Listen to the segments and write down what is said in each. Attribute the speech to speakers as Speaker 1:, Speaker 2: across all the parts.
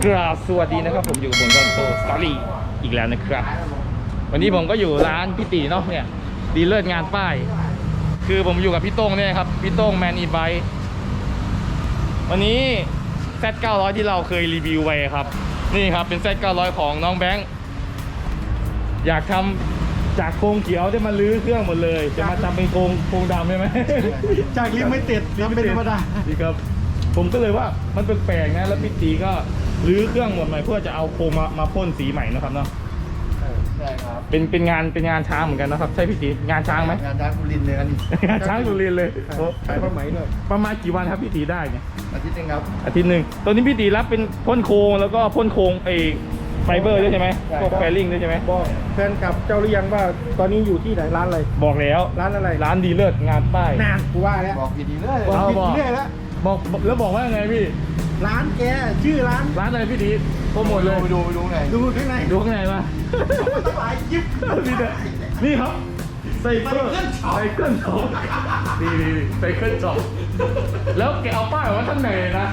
Speaker 1: กราบสวัสดีนะครับผมอยู่กับผมซอนโตสตอรี่อีกแล้วนะครับวันนี้ผมก็อยู่ร้านพี่ตีเนาะเนี่ยดีเลิศงานป้ายคือผมอยู่กับพี่โต้งเนี่ยครับพี่โต้งแมนอีไบค์วันนี้ Z900 ที่เราเคยรีวิวไว้ครับนี่ครับเป็น Z900 ของน้องแบงค์อยากทำจากโครงเขียวจะมาลื้อเครื่องหมดเลยจะมาทำเป็นโครงดำใช่ไหม
Speaker 2: จากลิมิเต็ดทำเป็นธรรมดา
Speaker 1: ดีครับผมก็เลยว่ามันแปลกๆนะแล้วพี่ตีก็รื้อเครื่องหมดใหม่เพื่อจะเอาโครงมาพ่นสีใหม่นะครับเนาะ
Speaker 2: ใช่ครับ
Speaker 1: เป็นงานช้างเหมือนกันนะครับใช่พี่ตีงานช้างไหม
Speaker 2: งานช้างสุรินทร์เลยอันนี้
Speaker 1: งานช้างสุรินทร์เลย
Speaker 2: ขายผ้าไหมด้วย
Speaker 1: ประมาณกี่วันครับพี่ตีได้เนี่ย
Speaker 2: อาทิตย์นึงครับ
Speaker 1: อาทิตย์หนึ่งตอนนี้พี่ตีรับเป็นพ่นโครงแล้วก็พ่นโครงไฟเบอร์ด้วยใช่ไหมพวกแฟลิ่งด้วยใช่ไหม
Speaker 2: บอกแฟนกับเจ้าหรือยังว่าตอนนี้อยู่ที่ไหนร้านอะไร
Speaker 1: บอกแล้ว
Speaker 2: ร้านอะไร
Speaker 1: ร้านดีเลิศงานป้าย
Speaker 2: นานกูว่าแล้วบอกดีๆเลยบอกดีๆเลยแล้ว
Speaker 1: บอกแล้วบอกว่าไงพี่
Speaker 2: ร้านแกชื่อร้าน
Speaker 1: อะไรพี่ตีโปรโมทเลย
Speaker 2: ไปดูไงดูข้างใน
Speaker 1: มา
Speaker 2: หลายยิบ
Speaker 1: นี่ครับไซเคิลช็อปนี่ไซเคิลช็อปแล้วแกเอาป้ายไว้ข้างในนะ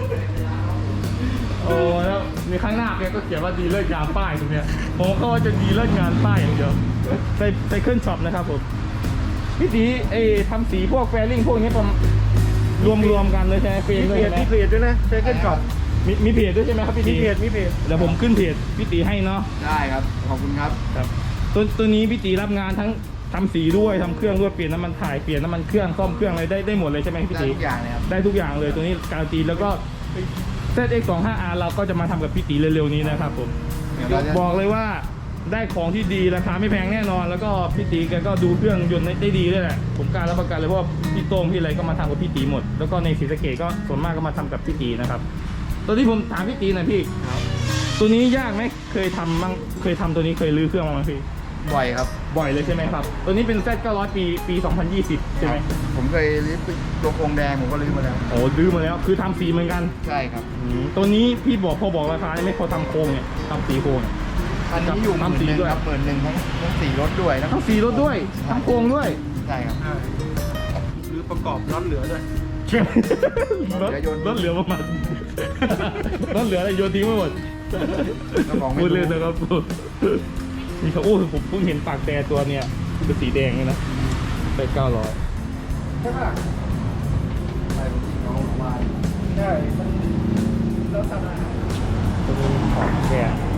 Speaker 1: โอ้แล้วมีข้างหน้าแกก็เขียนว่าดีเลิศงานป้ายตรงเนี้ยผมก็ว่าจะดีเลิศงานป้ายอย่างเดียวไซเคิลช็อปนะครับผมพี่ตีทำสีพวกแฟลิ่งพวกนี้รวมกันเลยใช่ไหม
Speaker 2: มีเพจด้วยนะไซเคิลช็อป
Speaker 1: มีเพจด้วยใช่ไหมครับพี่ตี
Speaker 2: มีเพจ
Speaker 1: แล้วผมขึ้นเพจพี่ตีให้เนาะ
Speaker 2: ได้ครับขอบคุณครับ
Speaker 1: ตัวนี้พี่ตีรับงานทั้งทำสีด้วยทำเครื่องด้วยเปลี่ยนน้ำมันถ่ายเปลี่ยนน้ำมันเครื่องซ่อมเครื่องอะไรได้หมดเลยใช่ไหมพี่ตี
Speaker 2: ได้ทุกอย่างเลยครับ
Speaker 1: ได้ทุกอย่างเลยตัวนี้การันตีแล้วก็ ZX25R เราก็จะมาทำกับพี่ตีเร็วๆนี้นะครับผมบอกเลยว่าได้ของที่ดีราคาไม่แพงแน่นอนแล้วก็พี่ตีแกก็ดูเครื่องยนต์ได้ดีด้วยแหละผมกล้ารับประกันเลยเพราะว่าพี่โต้งพี่อะไรก็มาทำกับพี่ตีหมดแล้วก็ในศรีสะเกษก็ส่วนมากก็มาทำกับพี่ตีนะครับตัวที่ผมถามพี่ตีหน่อยพี่ตัวนี้ยากไหมเคยทำตัวนี้เคยรื้อเครื่องมั้ยพี่
Speaker 2: บ่อยครับ
Speaker 1: บ่อยเลยใช่ไหมครับตัวนี้เป็น Z900 ปี 2020 ใช่ไหม
Speaker 2: ผมเคยรื้อตัวโครงแดงผมก็รื้อมาแล้ว
Speaker 1: โอ้รื้อมาแล้วคือทำสีเหมือนกัน
Speaker 2: ใช่ครับ
Speaker 1: ตัวนี้พี่พอบอกราคาไม่พอทำโครงเนี่ยทำสีโครง
Speaker 2: อันนี้อยู่ทำสีด้วยครับ11,000ทั้งสีรถด้วย
Speaker 1: ทั้งสีรถด้วยทั้งโครงด้วย
Speaker 2: ใช่ครับรื้อประกอบรถเหลือด้วย
Speaker 1: รถเหลือประมาณรถเหลืออะไรโยนทิ้งไม่หมดพูดเล่นนะครับนี่เขาผมเพิ่งเห็นปากแต่ตัวเนี่ยคือสีแดงเลยนะไป900
Speaker 2: ใช่ป่ะใช่น้องวายใช่แล้วทำอะไร
Speaker 1: ตัวนี้ของแก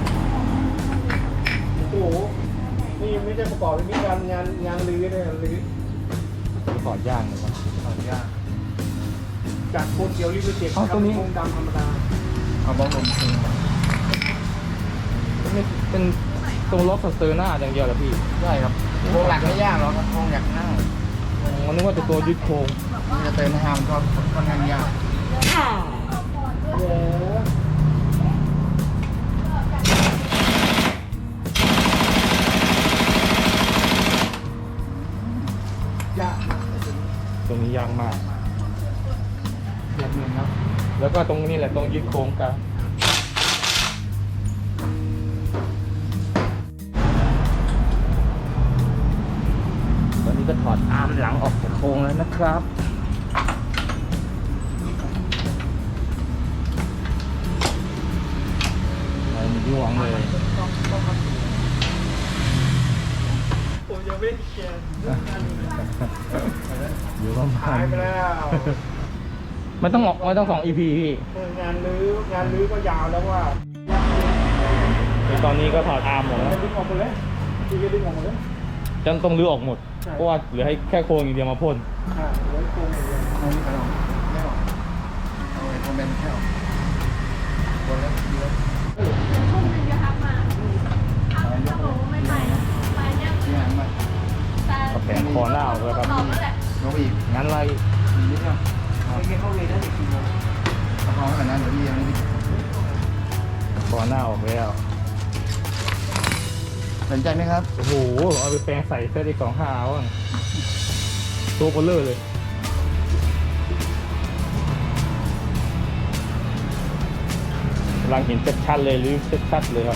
Speaker 2: โอ้โหนี่ไม่ใช่ประกอบเป็นงานรื้อเลยรื้อ
Speaker 1: ถอดย่างเลยครับ
Speaker 2: ถอดย่างจากโคตรเกียวริบเจ็บ
Speaker 1: ตัวนี้
Speaker 2: โครงดำธรรมดาเอาบล็อกลม
Speaker 1: เป็นตรงล็อกสเตอร์หน้าอย่างเดียวเหรอพี่
Speaker 2: ใช่ครับโครงหลักไม่ยากหรอกครับโครงหลักนั่ง
Speaker 1: นึกว่าจะตัวยึดโครง
Speaker 2: จะเติมหามก็ค่อนข้างยาก
Speaker 1: ตรงนี้ยากมาก
Speaker 2: แบบนึงครับ
Speaker 1: แล้วก็ตรงนี้แหละตรงยึดโครงกันตอนนี้ก็ถอดอาร์มหลังออกจากโครงแล้วนะครับมันย่วงเลย
Speaker 2: ผมยังไม่แกน
Speaker 1: อยู่ประมาณ
Speaker 2: หายไปแล้ว
Speaker 1: ไม่ต้อง2 EP พี่
Speaker 2: งานรื้อก็ยาวแล้วว่า
Speaker 1: ตอนนี้ก็ถอดอาร์มหมดแล้ว
Speaker 2: ดึงออกหมดเลยดึงออกหมดเลย
Speaker 1: จนต้องรื้อออกหมดเพราะว่าเหลือให้แค่โครงอย่างเดียวมาพ่น
Speaker 2: เหลือโครงอย่างเดียวเอาไม่ออกไม่ออกเอาไอ้คอมเมนต์แค่ออกคนแล้วเยอะ
Speaker 3: พวกนึงจะทักมาถ้าบอกว่าไม่ไปเนี่ย
Speaker 1: ก็แผงคอหน้าออกแล้วครับ
Speaker 2: ยกอีก
Speaker 1: งั้นอะไร
Speaker 2: นิดเดียวไม่เข้าเลยได้อีกทีเดียวพอขนาดนั้นเดี๋ยวพี่ยังไม่ได้
Speaker 1: คอหน้าออกแล้ว
Speaker 2: สนใจไหมครับ
Speaker 1: โอ้โหเอาไปแปลงใส่เสื้อที่25ว่ะตัวเบลเลอร์เลยกำลังเห็นชัดๆเลยหรือชัดๆเลยครับ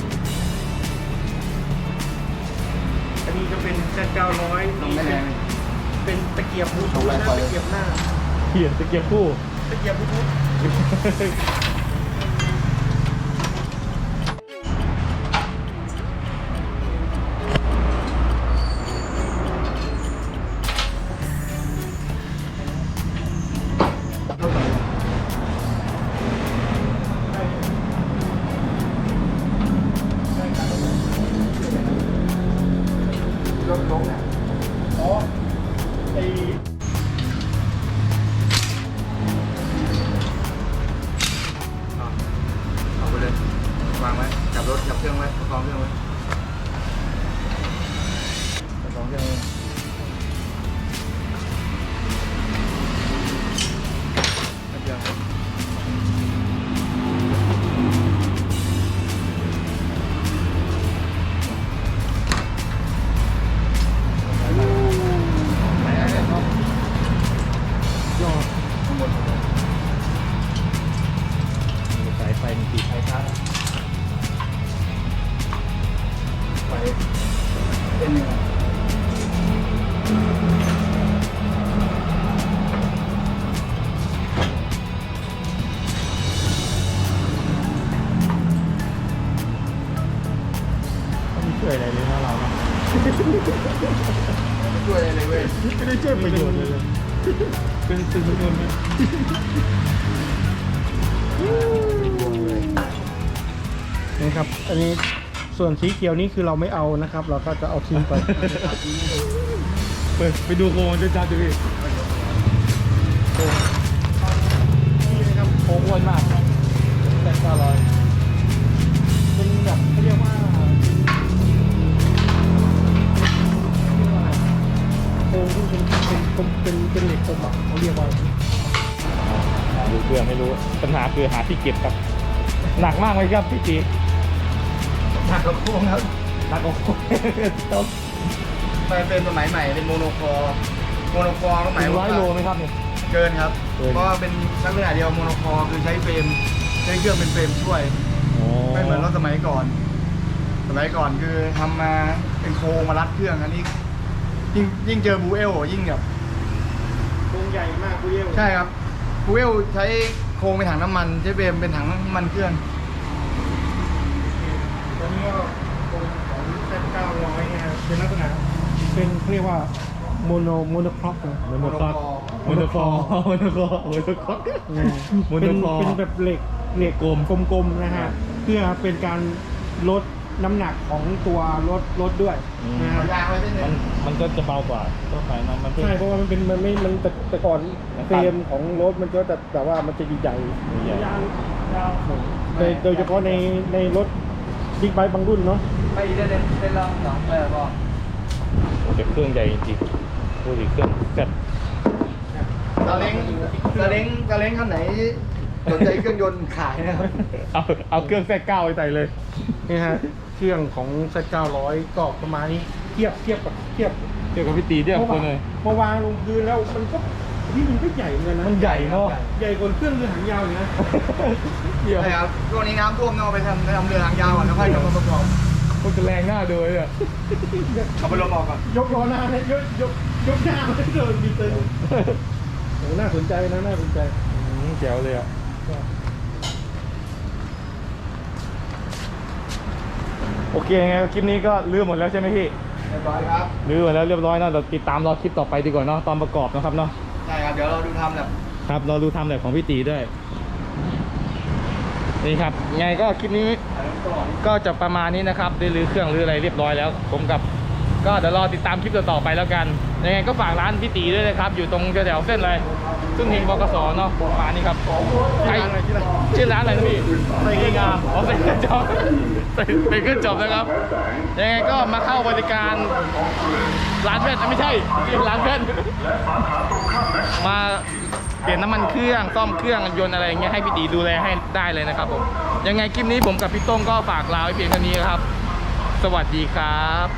Speaker 2: อันนี้จะเป็นZ900นี่เป็นตะเกียบบูทูธนะตะเกียบหน้า
Speaker 1: ตะเกียบคู่
Speaker 2: ตะเกียบบูทูธจับเครื่องไว้ประคองเครื่องไว้ประคองเครื่องไว้เดี๋ยวไหนเนี่ยครับยอดข้างบน
Speaker 1: สายไฟมันติด
Speaker 2: ไฟฟ้าไฟเป็นยังไง
Speaker 1: ไม่ช่วยอะไรเลยนะเราเนาะ
Speaker 2: ไม่ช่วยอะไรเลยเว้ย
Speaker 1: ไม่ได้ช่วยประโยชน์เลยเป็นสื่อมวลชนนะ
Speaker 4: นะครับ อันนี้ส่วนสีเขียวนี้คือเราไม่เอานะครับ เราก็จะเอาทิ้งไป
Speaker 1: ไปดูโคมันจะจัดดูพี่นี่นะครับโคอ้วนมากแต่900
Speaker 4: เป็นแบบเขาเรียกว่าโครงที่เป็นเหล็กกลมอ่ะเขาเรียกว่า
Speaker 1: ดูเครื่องไม่รู้ปัญหาคือหาที่เก็บครับ หนักมากไหมครับพี่จี
Speaker 2: หนักกว่าโค้งครับ
Speaker 1: หนักกว่าโคต้อง
Speaker 2: มันเป็นสมัยใหม่เป็นโมโนคอร์ก็หมาย
Speaker 1: 100 โลไหมครับเนี่ย
Speaker 2: เกินครับ
Speaker 1: เกิน
Speaker 2: เพราะว่าเป็นลักษณะเดียวโมโนคอร์คือใช้เฟรมใช้เครื่องเป็นเฟรมช่วย ไม่เหมือนรถสมัยก่อน สมัยก่อนคือทำมาเป็นโครงมารัดเครื่องอันนี้ยิ่งเจอบูเอลยิ่งแบบ
Speaker 4: โครงใหญ่มากกูเรียก
Speaker 2: ใช่ครับบูเอลใช้โครงเป็นถังน้ำมันใช้เฟรมเป็นถังน้ำมันเครื่อง
Speaker 4: ตอนนี้ก็โครงของแซด900เนี่ยเป็นลักษณะเป็นเขาเรียกว่าโมโนคล็อกนะ
Speaker 1: โมโนคอร์โมโนคอร์โมโนคอร์โมโนคอร์ โมโน
Speaker 4: เป็น
Speaker 1: คอร์
Speaker 4: เป็นแบบเหล็กกลมๆนะฮะเพื่อเป็นการลดน้ำหนักของตัวรถด้วยนะฮะ
Speaker 2: ยางไว้เส้นหนึ
Speaker 1: มัน
Speaker 2: ง
Speaker 1: มันก็จะเบากว่าตัวไฟนะมัน
Speaker 4: ใช่เพราะว่ามันเป็นมันไม่มันแต่ก่อน
Speaker 1: มัน
Speaker 4: เฟรมของรถมันก็จะแบบว่ามันจะใหญ่
Speaker 1: ใหญ่
Speaker 4: ยาวโดยเฉพาะในรถบิ๊กไบค์บางรุ่นเนาะ
Speaker 2: ไปอีกได้ลองสองก็
Speaker 1: โอ้แต่เครื่องใหญ่จริงๆพูดถึงเครื่องจัด
Speaker 2: ซาเล้งคันไหนสนใจเครื่องยนต์ขายนะครับ
Speaker 1: เอาเครื่องแทรก9ไปใส่เลย
Speaker 4: นี่ฮะเครื่องของ Z900 ก็ประมาณนี้เทียบกับ
Speaker 1: เกี่ยวกับพี่ตีเดียวคนเลย
Speaker 4: มาวางลงพื้นแล้วมันก็ใหญ่เหมือนกันนะ
Speaker 1: มันใหญ่เนาะ
Speaker 4: ใหญ่กว่าเครื่องเรือหางยาวอยู่นะ
Speaker 1: เดี๋ยว
Speaker 2: ใช่ครับช่วงนี้น้ำท่วมต้องเอาไปทำเรือหางยาวก่อนแล้วค่อยกลับมาประกอบ
Speaker 1: มันจะแรงหน้าดูเลยอ่ะ
Speaker 2: เอาไปลมออกก่อน
Speaker 4: ยกล้อหน้าเนี่ยยกหน้าไม่เดินมีเต็นโอ้น่าสนใจนะน่าสนใจ
Speaker 1: แจ๋วเลยอ่ะโอเคไงคลิปนี้ก็ลืมหมดแล้วใช่ไหมพี่
Speaker 2: เรียบร้อยครับ
Speaker 1: ลืมหมดแล้วเรียบร้อยนะเราติดตามรอคลิปต่อไปดีกว่าเนาะตอนประกอบนะครับเนาะ
Speaker 2: ใช่ครับเดี๋ยวเราดูทำแบบ
Speaker 1: ครับเราดูทำแบบของพี่ตีด้วยนี่ครับไงก็คลิปนี้ก็จะประมาณนี้นะครับได้รื้อเครื่องรื้ออะไรเรียบร้อยแล้วผมกับก็เดี๋ยวรอติดตามคลิปต่อๆไปแล้วกันยังไงก็ฝากร้านพี่ตีด้วยนะครับอยู่ตรงแถวๆเส้นเลยซึ่งเฮงบกสเนาะประมาณนี้ครับใครชื่อร้านอะไรนะพี่ใส่ขึ้นงามอ๋อใส่ขึ้นจอบใส่ขึ้นจอบนะครับยังไงก็มาเข้าบริการร้านแว่นไม่ใช่ร้านแว่นมาเปลี่ยนน้ำมันเครื่องซ่อมเครื่องยนต์อะไรอย่างเงี้ยให้พี่ตีดูแลให้ได้เลยนะครับผมยังไงคลิปนี้ผมกับพี่ต้งก็ฝากลาไว้เพียงเท่านี้ครับสวัสดีครับ